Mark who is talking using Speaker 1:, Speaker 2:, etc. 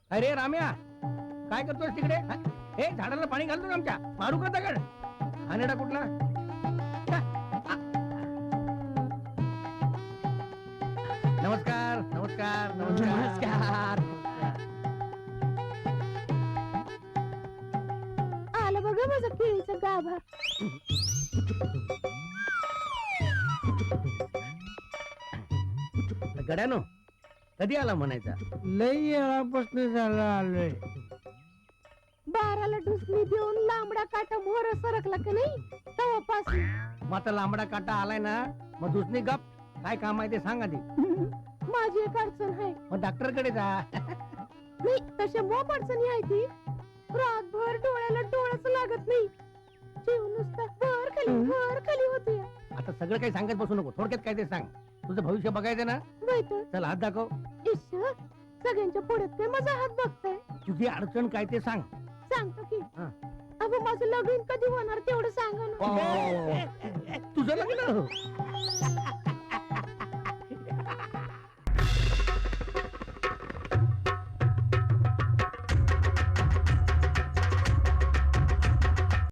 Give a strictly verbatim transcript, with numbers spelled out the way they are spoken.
Speaker 1: अरे राम्या, काय करतोय तिकडे? हे झाडाला पाणी घालतो ना आमच्या. मारू का दगड? हानेडा कुठला? नमस्कार नमस्कार नमस्कार.
Speaker 2: आलं बघा माझं केळीचं गाभा.
Speaker 1: गड्यानो, कधी आला म्हणायचा?
Speaker 3: लई वेळापासून झालं आलोय.
Speaker 2: बाराला ढुसणी देऊन लांबडा काटा मोर सरकला का नाही तेव्हापासून.
Speaker 1: मग आता लांबडा काटा आलाय ना, मग दुसरी गप. काय काम आहे ते सांग आधी.
Speaker 2: माझी एक अडचण आहे.
Speaker 1: मग डॉक्टर कडे जा.
Speaker 2: नाही तशा मोप अडचणी आहे ती. रातभर डोळ्याला डोळाच लागत नाही. जीव नुसता वर खाली वर खाली होते.
Speaker 1: आता सगळं काही सांगत बसू नको, थोडक्यात काय ते सांग. तुझं भविष्य बघायचं ना.
Speaker 2: वैतर
Speaker 1: चल हात दाखव.
Speaker 2: इश्श, सगळ्यांच्या पुढ्यात काय माझा हात बघताय.
Speaker 1: तुझी अडचण काय ते सांग.
Speaker 2: सांगतो की.
Speaker 1: हा.
Speaker 2: अगं माझं लग्न कधी होणार तेवढं सांगा ना.
Speaker 1: तुझं लग्न